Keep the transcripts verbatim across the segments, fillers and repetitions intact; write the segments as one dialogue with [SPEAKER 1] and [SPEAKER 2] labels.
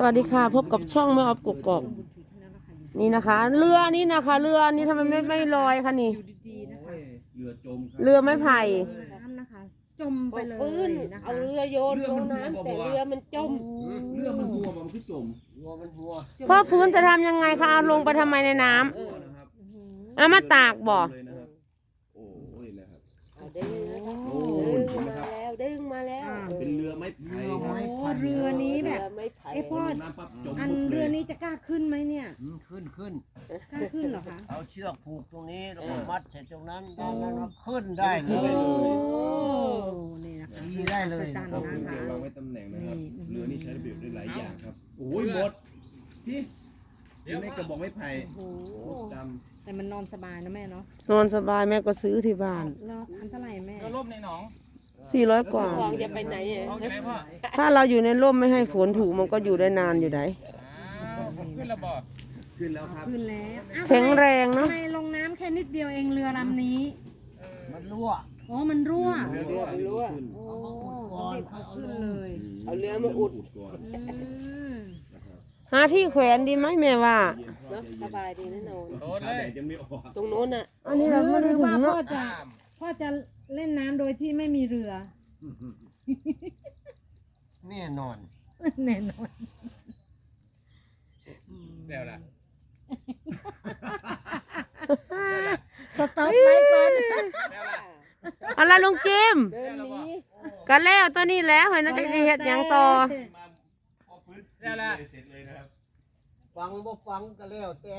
[SPEAKER 1] วัสดีค่ะพบกับช่องแม่ออฟกกอกนี่นะคะเรือนี่นะคะเรือนี่ทำไมไม่ไม่ลอยคะนี่
[SPEAKER 2] เรือจม
[SPEAKER 1] เรือไม้ไผ่
[SPEAKER 3] น้ำนะคะจมไปเลย
[SPEAKER 4] ฟื้น
[SPEAKER 3] นะคะ
[SPEAKER 4] เอาเรือโยนลงน้ำแต่เรือมันจม
[SPEAKER 2] เรือมันหัวมันคือจม
[SPEAKER 4] หัวมันหัว
[SPEAKER 1] พ่อฟื้นจะทำยังไงคะเอาลงไปทำไมในน้ำ
[SPEAKER 2] นะครับ
[SPEAKER 1] เอามาตากบ่
[SPEAKER 2] เลยนะครับโอ้ยนะครับ
[SPEAKER 4] เอาดึงนะคะ
[SPEAKER 2] โอ้
[SPEAKER 4] ดึง
[SPEAKER 2] นะ
[SPEAKER 4] มา
[SPEAKER 2] ครับ
[SPEAKER 4] แล้วดึงมาแล้ว
[SPEAKER 2] เป็นเรือไม้ไผ่ครับ
[SPEAKER 3] โอ้เรือนี้แบบ
[SPEAKER 4] เรือไม่ไผ่
[SPEAKER 3] เอ้พ่อ
[SPEAKER 2] ลงน้ำปั๊บจม
[SPEAKER 3] อัน
[SPEAKER 2] ปุ๊บเล
[SPEAKER 3] เรือย นี้จะกล้าขึ้นไหมเนี่ย
[SPEAKER 5] อืมขึ้นขึ้น
[SPEAKER 3] กล้าขึ้นเหรอคะ
[SPEAKER 5] เอาเชือกผูกตรงนี้แล้วก็มัดใส่ตรงนั้นด้านนั้นก็ขึ้นได้เล
[SPEAKER 3] โอ้
[SPEAKER 5] ย
[SPEAKER 3] นี่นะคะ
[SPEAKER 5] ขี่ได้เลย
[SPEAKER 3] จัน
[SPEAKER 2] เรา
[SPEAKER 3] นะ
[SPEAKER 2] เรือ
[SPEAKER 3] คะ
[SPEAKER 2] วางไว้ตำแหน่งนะครับ
[SPEAKER 3] นี่
[SPEAKER 2] เรือนี่ใช้ประโยชน์ได้หลายอย่างครับโอ้ยหมดพี่อยู่ในกระบอกไม้ไผ่
[SPEAKER 3] โอ้โห
[SPEAKER 2] จ
[SPEAKER 3] แต่มันนอนสบายนะแม่เนาะ
[SPEAKER 1] นอนสบายแม่ก็ซื้อที่บ้าน
[SPEAKER 3] แล้วอันเท่าไหร่แม่
[SPEAKER 6] ก็ร่มในหนอง
[SPEAKER 1] สี่ร้อยกว่า
[SPEAKER 4] คลองจะไปไหนอ่ะ
[SPEAKER 6] เอาอยู่ไหนพ่อ
[SPEAKER 1] ถ้าเราอยู่ในร่มไม่ให้ฝนถูกมันก็อยู่ได้นานอยู่ไหน
[SPEAKER 6] อ้าวขึ้นระบอก
[SPEAKER 2] ำขึ้นแล้วครับ
[SPEAKER 3] ขึ้นแล้วอ้าว
[SPEAKER 1] แข็งแรงเนาะ
[SPEAKER 3] ทำไมลงน้ำแค่นิดเดียวเองเรือลำนี้
[SPEAKER 5] มันรั่ว
[SPEAKER 3] อ๋อมันรั่ว
[SPEAKER 2] เรือรั่วมันรั่วขึ้น
[SPEAKER 3] โอ้เด็กเขาขึ้นเลย
[SPEAKER 4] เอาเรือมาอุด
[SPEAKER 2] ก่อน
[SPEAKER 3] อืม
[SPEAKER 1] หาที่แขวนดีไหมแม่ว่า
[SPEAKER 2] เย็นพ่อ
[SPEAKER 4] เนาะ
[SPEAKER 2] ใจ
[SPEAKER 4] ส
[SPEAKER 2] เย็น
[SPEAKER 4] บายดีนะนอน
[SPEAKER 6] โดน
[SPEAKER 2] ขา
[SPEAKER 6] เล
[SPEAKER 2] แด
[SPEAKER 6] ย
[SPEAKER 2] ดยังไม่ออก
[SPEAKER 4] ตรงโน้นน่ะ
[SPEAKER 1] อันนี้เราไม่
[SPEAKER 3] ห
[SPEAKER 1] ได้
[SPEAKER 3] รือ
[SPEAKER 1] ถึ
[SPEAKER 3] ว่าง พ่
[SPEAKER 1] เนาะ
[SPEAKER 3] อจะพ่อจะเล่นน้ำโดยที่ไม่มีเรือ
[SPEAKER 5] แน่นอน
[SPEAKER 3] แน่นอน
[SPEAKER 6] เดี๋ยวละ
[SPEAKER 3] สต็อปไว้ก่อน
[SPEAKER 6] เดี๋ยวละ
[SPEAKER 1] อะไรลุงจิม
[SPEAKER 4] เดินหนี
[SPEAKER 1] กันแล้วตัวนี้แล้วเห็นน่าจะเฮ็ดหยังต่อ
[SPEAKER 6] เดี๋ยวละ
[SPEAKER 2] เสร็จเลยนะครับ
[SPEAKER 5] ฟังบ่ฟังก็แล้วแต่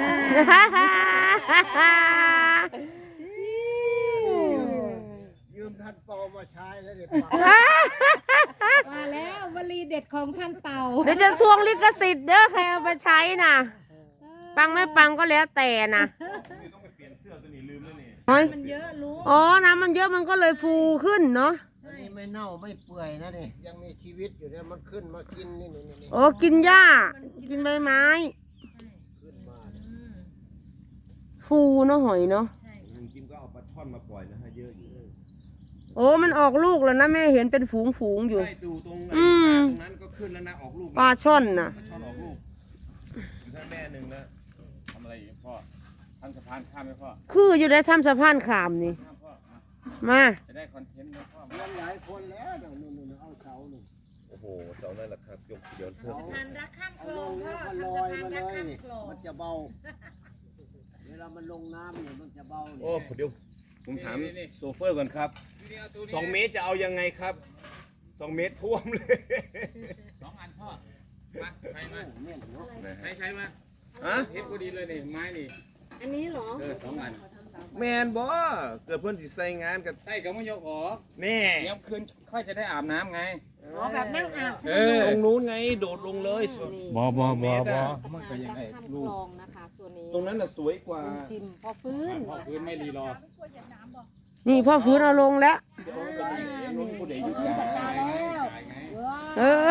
[SPEAKER 5] ยืมท่านเปามาใช้แล้วเดี๋ยวฟัง
[SPEAKER 3] มาแล้ววลีเด็ดของท่านเป่า
[SPEAKER 1] เดี๋ยวจะทวงลิขสิทธิ์เด้อใครเอาไปใช้น่ะ ปังไม่ปังก็แล้วแต่นะ
[SPEAKER 2] ต้องไปเปลี่ยนเสื้อตัวนี้ลืมแล้วนี่
[SPEAKER 1] เฮ้ย
[SPEAKER 3] มันเยอะรู้
[SPEAKER 1] อ๋อ น้ำมันเยอะมันก็เลยฟูขึ้นเนาะ
[SPEAKER 5] อันนี้ไม่เน่าไม่เปื่อยนะนี่ยังมีชีวิตอยู่เนี่ยมันขึ้นมากินนี่นี่นี่
[SPEAKER 1] โอ้กินหญ้า กินใบไม้
[SPEAKER 5] ขึ้นมาเนี่ย
[SPEAKER 1] ฟูเนาะหอยเนาะ
[SPEAKER 2] ลุงจิมก็เอาปลาช่อนมาปล่อยนะฮะเยอะอยู่
[SPEAKER 1] โอ้มันออกลูกแล้วนะแม่เห็นเป็นฝูงฝูงๆอยู่
[SPEAKER 2] ใช่ดูตรงนั้น
[SPEAKER 1] อืม
[SPEAKER 2] ตรงนั้นก็ขึ้นแล้วนะออกลูก
[SPEAKER 1] ปลาช่อนน่ะ
[SPEAKER 2] ปลาช่อนออกลูกถ้าแม่หนึ่งนะ
[SPEAKER 6] ทำอะไรอีกพ่อทำสะพานข้ามไหมพ่อ
[SPEAKER 1] คืออยู่ในถ้ำสะพานขามนี่
[SPEAKER 6] ข้ามพ่ออ่ะ
[SPEAKER 1] มา
[SPEAKER 6] จะได้คอนเทนต์ไหมพ่อ
[SPEAKER 5] มันหลายคนแล้วเดี๋ยวนู่นๆเอาเสาหนึ่ง
[SPEAKER 2] โอ้โหเสานั่นแหละครับยกเดี๋ยวเพิ่ม
[SPEAKER 3] ทานรักข้าม
[SPEAKER 5] เอา
[SPEAKER 3] คล
[SPEAKER 5] ล
[SPEAKER 3] อง
[SPEAKER 5] ง
[SPEAKER 3] พ่
[SPEAKER 5] แล้
[SPEAKER 3] อ
[SPEAKER 5] วก็
[SPEAKER 3] ทำ
[SPEAKER 5] ล
[SPEAKER 3] สะ
[SPEAKER 5] อย
[SPEAKER 3] พาน
[SPEAKER 5] มา
[SPEAKER 3] รัก
[SPEAKER 5] เลย
[SPEAKER 3] ข้ามคลอง
[SPEAKER 5] มันจะเบาเวลามันลงน้ำเนี่ยมันจะเบา
[SPEAKER 2] โอ้เดี๋ยวผมถามโซเฟอร์ก่อนครับ
[SPEAKER 6] นี่เอาตัวนี้
[SPEAKER 2] สองเมตรจะเอายังไงครับสองเมตรท่วมเลย
[SPEAKER 6] สองอันพ่อมาใช้มา
[SPEAKER 5] เนี่ยเนาะ
[SPEAKER 2] นะ
[SPEAKER 6] ใช้
[SPEAKER 2] ฮะ
[SPEAKER 6] ใช้มา
[SPEAKER 2] ฮะ
[SPEAKER 6] เทปพอดีเลยนี่ไม้นี่
[SPEAKER 3] อันนี้เหรอ
[SPEAKER 6] เออสองอัน
[SPEAKER 2] แมนบ่เกิดเพื่อนสิใส่งานกับ
[SPEAKER 6] ใส่กับมะยกออก
[SPEAKER 2] แน่
[SPEAKER 6] เดี๋ยวคืนค่อยจะได้อาบน้ำไง
[SPEAKER 3] อ๋อแบบนั่งอาบ
[SPEAKER 6] เออ
[SPEAKER 2] ตรงนู้นไงโดดลงเลย
[SPEAKER 6] บอบอบอบอ
[SPEAKER 3] สะ
[SPEAKER 6] มัน
[SPEAKER 3] พา
[SPEAKER 6] ก็
[SPEAKER 3] น
[SPEAKER 6] ยัง
[SPEAKER 3] รั
[SPEAKER 6] ไง
[SPEAKER 3] กข้าม
[SPEAKER 6] ลู
[SPEAKER 3] ค
[SPEAKER 6] ก
[SPEAKER 3] ลองนะคะตัวนี้
[SPEAKER 2] ตรงนั้นน่ะสวยกว่า
[SPEAKER 3] จิมพอฟื้น
[SPEAKER 6] พ่อคืนไม่รีรอ
[SPEAKER 1] นี่พ่อฟื้นเอาลงแล้ว
[SPEAKER 2] นี่ผู้ใดอยู่กลาง
[SPEAKER 3] จัดการแล้ว
[SPEAKER 1] เออ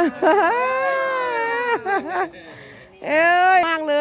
[SPEAKER 1] เอ้ยมากเลย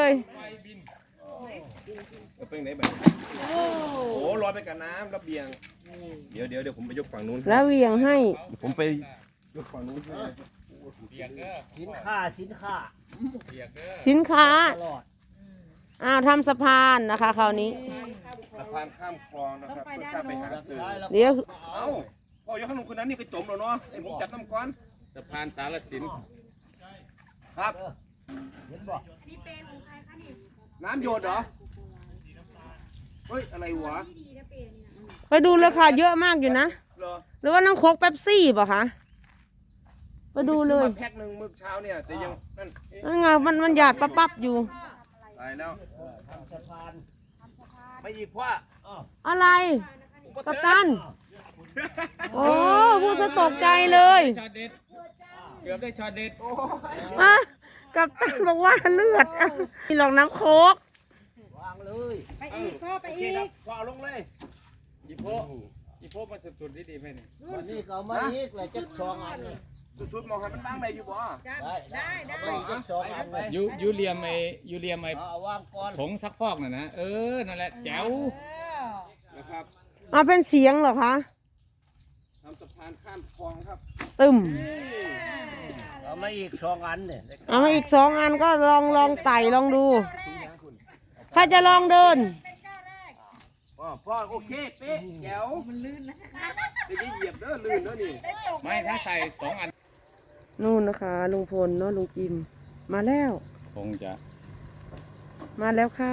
[SPEAKER 2] จะเป็นไหนแบบโอ้โหลอยไปกับน้ำระเบียงเดี๋ยวเดี๋ยวเดี๋ยวผมไปยกฝั่งนู้น
[SPEAKER 1] แล้วเหวียงให้
[SPEAKER 2] ผมไปยกฝั่งนู้นให้
[SPEAKER 6] เปียกเด้อ
[SPEAKER 5] สินค้าสินค้า
[SPEAKER 6] เปียกเด้อ
[SPEAKER 1] สินค้า
[SPEAKER 5] ตลอด
[SPEAKER 1] อ้าวทำสะพานนะคะคราวนี้
[SPEAKER 2] สะพานข้ามคลองนะครับเพื่อข้ามไปหาสื่อ
[SPEAKER 5] ซ้ายแล้ว
[SPEAKER 1] เดี๋ยว
[SPEAKER 2] เอ้าพ่อยกขนมคนนั้นนี่ก็จมแล้วเนาะไอ้ผมจับน้ำก้อน
[SPEAKER 6] สะพานสารสิน
[SPEAKER 2] ครับ
[SPEAKER 5] เห็นบ่
[SPEAKER 2] น้ำหยดเหรอเฮ้ยอะไรวะ
[SPEAKER 1] ไปดูเลยค่ะเยอะมากอยู่นะ
[SPEAKER 2] เหรอ
[SPEAKER 1] หรือว่าน้องโคกเป๊ปซี่ป่ะคะไปดูเลย
[SPEAKER 2] ผมซื้อมาแพ็คหนึ่งมื้อเช้าเนี่ยแต่ยังนั่นเอ๊ะ
[SPEAKER 1] นั่นไงมันมันหยาดปั๊บปั๊บอยู่
[SPEAKER 2] ตายแล้ว
[SPEAKER 5] ทำสะพาน
[SPEAKER 2] ไม่อีกพ่อ
[SPEAKER 1] อะไรกัปตัน โอ้พูดซะตกใจเลย
[SPEAKER 6] ช็อตเด็ดเกือบได้ช็อตเด็ด
[SPEAKER 1] ฮะกัปตันบอกว่าเลือดอ่ะนี่หลอกน้ำโคก
[SPEAKER 5] วางเลย
[SPEAKER 3] ไปอีกพ่อไป
[SPEAKER 2] โอเค
[SPEAKER 3] อี
[SPEAKER 2] ครับ
[SPEAKER 3] ก
[SPEAKER 2] พ่อเอาลงเลย
[SPEAKER 6] อีโพอีโพมาสุดๆดีๆไหมเนี่ย
[SPEAKER 5] วันนี้ก็เอามาอีกเลยจักสองอันเลย
[SPEAKER 2] สุดๆมองให้มันตั้งได้อยู่บ่
[SPEAKER 5] ได้ได้ได้เอามาอีกจักสองอันเลย
[SPEAKER 6] ยูยูเรียมไอยูเรียมไอ
[SPEAKER 5] เอาวางก่อน
[SPEAKER 6] ผงซักฟอกน่ะนะเออนั่นแหละแจ๋ว
[SPEAKER 2] นะครับ
[SPEAKER 1] มาเป็นเสียงเหรอคะ
[SPEAKER 2] ทำสะพานข้ามคลองครับ
[SPEAKER 1] ตตึม
[SPEAKER 5] เอามาอีกสองอันเนี่ย
[SPEAKER 1] เอามาอีกสองอันก็ลองลองไต่ลองดูใครจะลองเดิน
[SPEAKER 2] พ่อพ่อโอเคเป๊ะแจ๋วมันลื่นนะจะเหยียบเด้อลื่นเด้อนี่
[SPEAKER 6] ไม่ถ้าใส่สองอัน
[SPEAKER 1] นู่นนะคะลุงพลเนาะลุงจิมมาแล้ว
[SPEAKER 6] คงจะ
[SPEAKER 1] มาแล้วค่ะ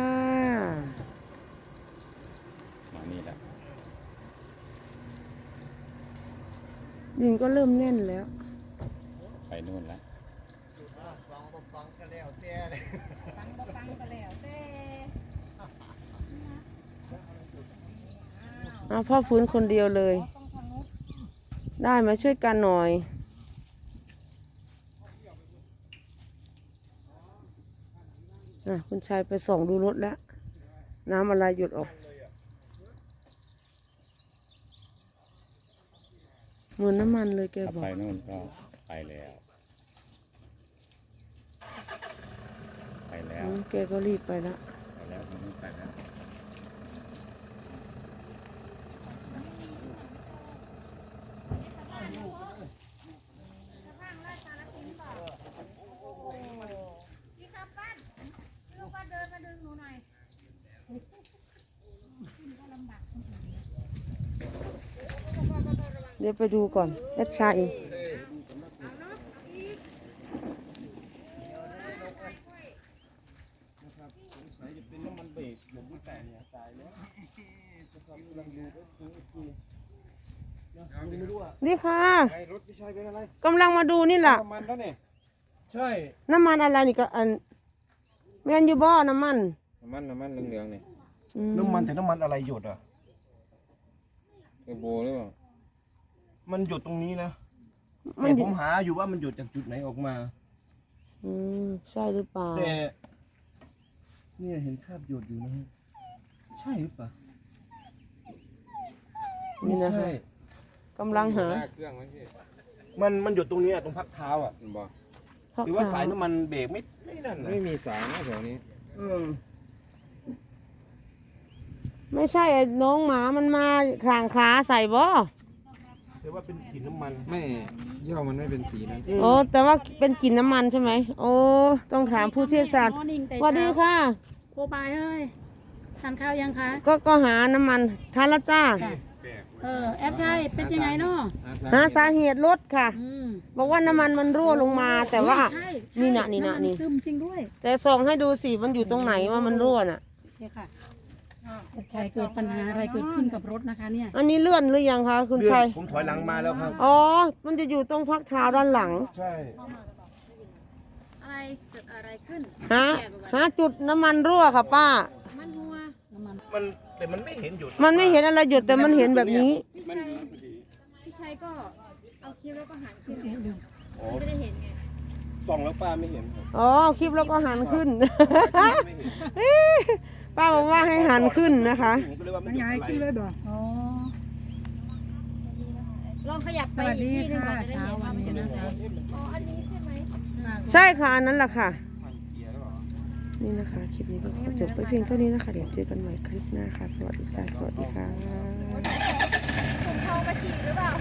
[SPEAKER 6] มานี่แหละ
[SPEAKER 1] ดินก็เริ่มแน่นแล้ว
[SPEAKER 6] ไปนู่นแล้ว
[SPEAKER 5] ฟังบ่ฟังก็แล้วแต่เลย
[SPEAKER 1] เอาพ่อฟื้นคนเดียวเลย ได้มาช่วยกันหน่อยนะคุณชายไปส่องดูรถแล้ว น้ำอะไรหยดออกเหมือนน้ำมันเลยแก
[SPEAKER 6] ถ้า
[SPEAKER 1] บอก
[SPEAKER 6] ไปนู่นก็ไปแล้ว ไปแล้ว
[SPEAKER 1] อืมแกก็รีบไปแล้ว
[SPEAKER 6] ไปแล้วทางนู้นไปแล้ว
[SPEAKER 1] เดี๋ยวไปดูก่อนแอดชาเอง
[SPEAKER 2] เป็นน้ำมันเบรกผมไม่แต่เนี่ยตายแล้วจะทำกำลังดูก็คือคือไม่รู้อ่ะ
[SPEAKER 1] นี่ค่ะ
[SPEAKER 2] ไอ้รถพี่ชายเป็นอะไร
[SPEAKER 1] กำลังมาดูนี่แหละ
[SPEAKER 2] น้ำมันแล้วเนี่ยใช่
[SPEAKER 1] น้ำมันอะไรนี่ก็อันแมนยูบ่อน้ำมัน
[SPEAKER 2] น้ำมันน้ำมันเหลืองๆเนี่ย
[SPEAKER 1] อื
[SPEAKER 5] น้ำมันแต่น้ำมันอะไรหยดอ่ะ
[SPEAKER 2] เทอร์โบหรือเปล่า
[SPEAKER 5] มันหยดตรงนี้นะ
[SPEAKER 1] มั
[SPEAKER 5] แต่
[SPEAKER 1] น
[SPEAKER 5] ผมหาอยู่ว่ามันหยดจากจุดไหนออกมา
[SPEAKER 1] อืมใช่หรือเปล่า
[SPEAKER 5] แต่เนี่ยเห็นคราบหยดอยู่นะฮะใช่หรือเปล่า
[SPEAKER 1] นี่นะ
[SPEAKER 5] ใช่
[SPEAKER 1] คะกำลังหา
[SPEAKER 2] หน้าเครื่องไหมพี่
[SPEAKER 5] มันมันหยดตรงนี้อะตรงพักเท้าอ่ะ
[SPEAKER 2] มันบอก
[SPEAKER 5] หรือว่าสายน้ำมันเบรกไม่ไม่นั่นนะ
[SPEAKER 2] ไม่มีสายนะแถวนี้
[SPEAKER 5] เออ
[SPEAKER 1] ไม่ใช่ไอ้น้องหมามันมาข่างขาใส่บ่
[SPEAKER 5] แต่ว่าเป็นกลิ่นน้ำมัน
[SPEAKER 2] ไม่ย่อมันไม่เป็นสีนั้น
[SPEAKER 1] โอ้แต่ว่าเป็นกลิ่นน้ำมันใช่ไหมโอ้ต้องถามผู้เชี่ยวชาญ
[SPEAKER 3] มอร์นิ่งแต่
[SPEAKER 1] สวัสดีค่ะ
[SPEAKER 3] โคบายเอ้ยทานข้าวยังคะ
[SPEAKER 1] ก็ก็หาน้ำมันทานและจ้า
[SPEAKER 3] เออแอปใช่เป็นยังไงเนาะ
[SPEAKER 1] หาสาเหตุรถค่ะ
[SPEAKER 3] อืม
[SPEAKER 1] บอกว่าน้ำมันมันรั่วลงมา แต่ว่า
[SPEAKER 3] ใช่ใช่
[SPEAKER 1] นี่น่ะนี่น่ะ
[SPEAKER 3] ำมั
[SPEAKER 1] นี่
[SPEAKER 3] ซึมจริงด้วย
[SPEAKER 1] แต่ส่องให้ดูสิมันอยู่ตรงไหนว่ามันรั่วน่ะ
[SPEAKER 3] เนี่ยค่ะแอปชัยเกิดปัญหาอะไรเกิดขึ้นกับรถนะคะเนี่ย
[SPEAKER 1] อันนี้เลื่อนหรือยังคะคุณ
[SPEAKER 5] เลื่อน
[SPEAKER 1] ชัย
[SPEAKER 5] ผมถอยหลังมาแล้วครับ
[SPEAKER 1] อ๋อมันจะอยู่ตรงพักเท้าด้านหลัง
[SPEAKER 5] ใช่
[SPEAKER 3] อะไรเกิดอะไรขึ้น
[SPEAKER 1] หาหาจุดน้ำมันรั่วค่ะป้า
[SPEAKER 3] มันหัวน้ำมัน
[SPEAKER 5] มันแต่มันไม่เห็นหยด
[SPEAKER 1] มันไม่เห็นอะไรหยดแต่มันเห็นแบบนี้
[SPEAKER 3] พี่ชัยพี่ชัยก็เอาคลิปแล้วก็หันขึ้นไม่ได้เห็นไง
[SPEAKER 5] ส่องแล้วป้าไม่เห็นครับ
[SPEAKER 1] อ๋อคลิปแล้วก็หันขึ้น
[SPEAKER 5] ไม่เห็น
[SPEAKER 1] ป้าบอกว่าให้หันขึ้นนะคะ
[SPEAKER 5] ผมก็เลยว่ามันหยดอะไร
[SPEAKER 3] อ๋อ
[SPEAKER 4] ลองขยับ
[SPEAKER 3] ส
[SPEAKER 4] ไป
[SPEAKER 3] วัส
[SPEAKER 4] อีก
[SPEAKER 3] ดี
[SPEAKER 4] ที่หนึงก่อ
[SPEAKER 3] ค่ะ
[SPEAKER 4] นจะได้
[SPEAKER 3] เช้า
[SPEAKER 4] เห็น
[SPEAKER 3] วั
[SPEAKER 4] ว่าน มัน
[SPEAKER 3] นี้
[SPEAKER 4] จะ
[SPEAKER 3] นะคะ
[SPEAKER 4] อ๋อ อันนี้ใช่ไหม
[SPEAKER 1] ใช่ค่ะอันนั้นแหละค่ะ
[SPEAKER 2] มันเกียร์หรือเปล่า
[SPEAKER 1] นี่นะคะ คลิปนี้ก็ขอจบไปเพียงเท่านี้นะคะ เดี๋ยวเจอกันใหม่คลิปหน้าค่ะ สวัสดีจ้าสวัสดีค่ะ